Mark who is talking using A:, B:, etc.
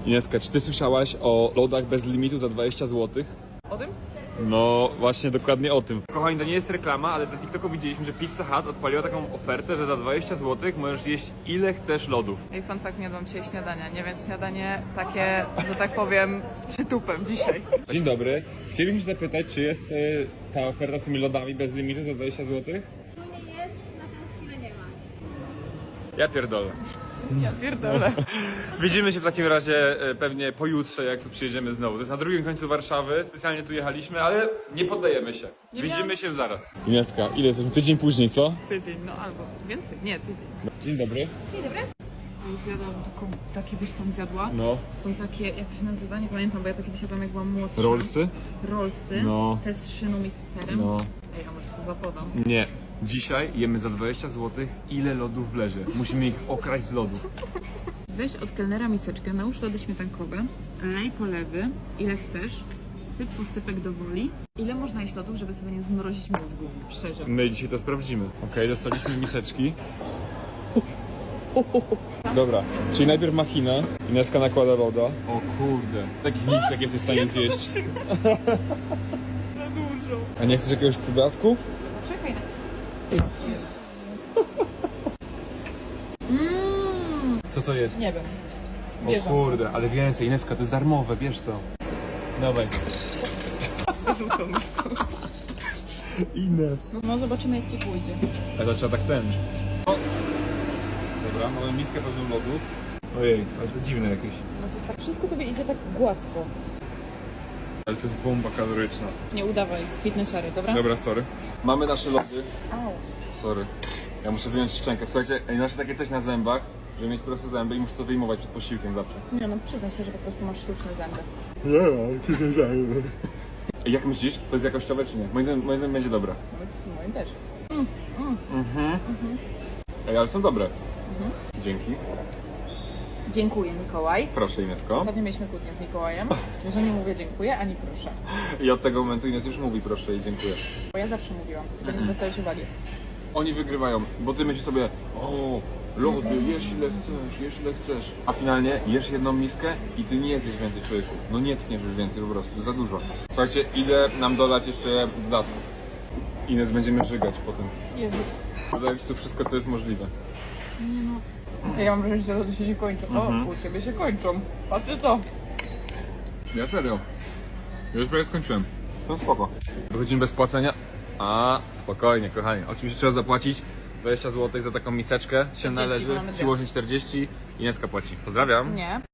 A: Ineska, czy ty słyszałaś o lodach bez limitu za 20 zł?
B: O tym?
A: No, właśnie dokładnie o tym. Kochani, to nie jest reklama, ale na TikToku widzieliśmy, że Pizza Hut odpaliła taką ofertę, że za 20 zł możesz jeść ile chcesz lodów.
B: Ej, fun fact, nie jadłam dzisiaj śniadania, nie? Więc śniadanie takie, że tak powiem, z przytupem dzisiaj.
A: Dzień dobry. Chcielibyśmy się zapytać, czy jest ta oferta z tymi lodami bez limitu za 20 zł?
C: Tu nie jest, na tę chwilę nie ma.
A: Ja pierdolę.
B: Ja pierdolę.
A: Widzimy się w takim razie pewnie pojutrze, jak tu przyjedziemy znowu. To jest na drugim końcu Warszawy, specjalnie tu jechaliśmy, ale nie poddajemy się. Widzimy się zaraz. Ineska, ile jest? Tydzień później, co?
B: Tydzień, no albo więcej. Nie, tydzień.
A: Dzień dobry.
C: Dzień dobry.
B: Zjadłam takie, wiesz co bym zjadła?
A: No.
B: Są takie, jak to się nazywa? Nie pamiętam, bo ja to kiedyś jadłam jak byłam młodsza.
A: Rollsy?
B: Rollsy.
A: No.
B: Te z szyną i z serem.
A: No.
B: Ej, a może sobie zapodam.
A: Nie. Dzisiaj jemy za 20 zł, ile lodów wlezie. Musimy ich okraść z lodów.
B: Weź od kelnera miseczkę, nałóż lody śmietankowe, lej polewy, ile chcesz, syp posypek do woli. Ile można jeść lodów, żeby sobie nie zmrozić mózgu, szczerze.
A: My dzisiaj to sprawdzimy. Okej, dostaliśmy miseczki. Dobra, czyli najpierw machina, Ineska nakłada loda. O kurde, takich misek jesteś w stanie zjeść.
B: Za dużo.
A: A nie chcesz jakiegoś dodatku?
B: Czekaj na...
A: Co to jest?
B: Nie wiem.
A: O
B: Bierzem.
A: kurde, ale więcej, Ineska, to jest darmowe, bierz to. Dawaj.
B: Wyrzucą mi to.
A: Ines.
B: No zobaczymy jak ci pójdzie.
A: Ale to trzeba tak ten. O. Dobra, mamy miskę pełną lodów. Ojej, ale to dziwne jakieś.
B: No to jest tak, wszystko tobie idzie tak gładko.
A: Ale to jest bomba kaloryczna.
B: Nie udawaj, fitnessary, dobra?
A: Dobra, sorry. Mamy nasze lody.
B: Au.
A: Sorry. Ja muszę wyjąć szczękę. Słuchajcie, nasze takie coś na zębach, żeby mieć proste zęby i muszę to wyjmować przed posiłkiem zawsze.
B: Nie no, przyznaj się, że po prostu masz sztuczne zęby.
A: Jak myślisz? To jest jakościowe czy nie? Moim zdaniem będzie dobre.
B: Nawet moim też.
A: Ej, ale są dobre. Dzięki.
B: Dziękuję, Mikołaj.
A: Proszę, Inesko.
B: Ostatnio mieliśmy kłótnię z Mikołajem, że nie mówię dziękuję, ani proszę.
A: I od tego momentu Ines już mówi proszę i dziękuję.
B: Bo ja zawsze mówiłam, tylko nie zwracałeś uwagi.
A: Oni wygrywają, bo ty myślisz sobie, o, lody, jesz ile chcesz. A finalnie jesz jedną miskę i ty nie zjesz więcej, człowieku. No nie tkniesz już więcej po prostu, za dużo. Słuchajcie, idę nam dodać jeszcze dodatków. Ines, będziemy żygać potem.
B: Jezus.
A: Dodać tu wszystko, co jest możliwe.
B: Nie no. Ja mam wrażenie, że te lody się nie kończą. O, u ciebie się kończą. Patrzcie to.
A: Ja serio. Ja już prawie skończyłem. Są spoko. Wychodzimy bez płacenia. A, spokojnie, kochani. Oczywiście trzeba zapłacić 20 zł za taką miseczkę. Się
B: 40,
A: należy.
B: bo mamy dwie.
A: Przyłożyć 40. Ineska płaci. Pozdrawiam.
B: Nie.